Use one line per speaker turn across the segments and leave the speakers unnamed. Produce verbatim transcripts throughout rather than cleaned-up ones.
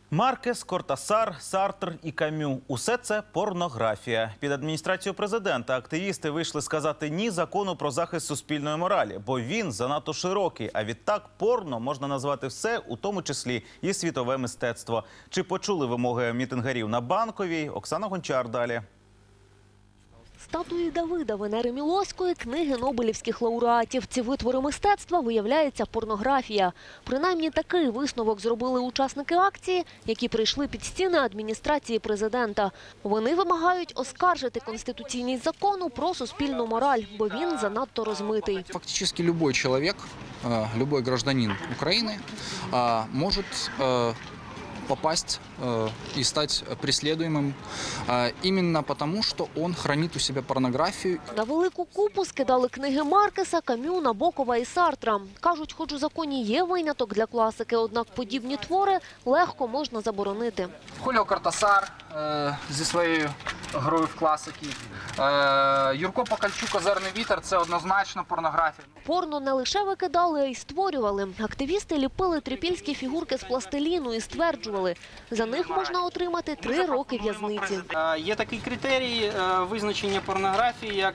Маркес, Кортасар, Сартр і Камю – усе це порнографія. Під адміністрацію президента активісти вийшли сказати «ні» закону про захист суспільної моралі, бо він занадто широкий, а відтак порно можна назвати все, у тому числі і світове мистецтво. Чи почули вимоги мітингарів на Банковій? Оксана Гончар далі.
Статуї Давида, Венери Мілоської, книги нобелівських лауреатів. Ці витвори мистецтва, виявляється, порнографія. Принаймні такий висновок зробили учасники акції, які прийшли під стіни адміністрації президента. Вони вимагають оскаржити конституційний закон про суспільну мораль, бо він занадто розмитий.
Фактически любой человек, любой гражданин Украины может попасть э, и стать преследуемым э, именно потому, что он хранит у себя порнографию.
На велику купу скидали книги Маркеса, Камю, Набокова і Сартра. Кажуть, хоч у законі є виняток для класики, однак подібні твори легко можна заборонити.
Хуліо Кортасар е, зі своєю грою в класики. Е, Юрко Покальчук, «Озерний вітер» – це однозначно порнографія.
Порно не лише викидали, а й створювали. Активісти ліпили трипільські фігурки з пластиліну і стверджували, за них можна отримати три роки в'язниці.
Є такий критерій визначення порнографії, як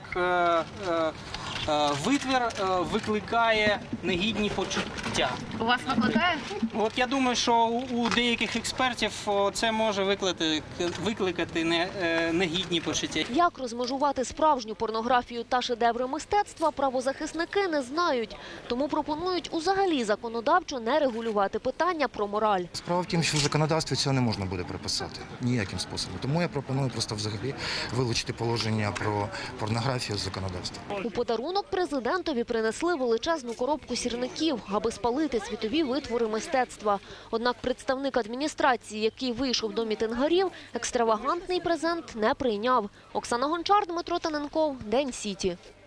витвір викликає негідні почуття.
У вас викликає?
От я думаю, що у деяких експертів це може викликати, викликати негідні почуття.
Як розмежувати справжню порнографію та шедеври мистецтва, правозахисники не знають. Тому пропонують узагалі законодавчо не регулювати питання про мораль.
Справа в тім, що в законодавстві цього не можна буде приписати ніяким способом. Тому я пропоную просто взагалі вилучити положення про порнографію з законодавства.
У подарунок президентові принесли величезну коробку сірників, аби спалити світові витвори мистецтва. Однак представник адміністрації, який вийшов до мітингарів, екстравагантний презент не прийняв. Оксана Гончар, Дмитро Таненков, День Сіті.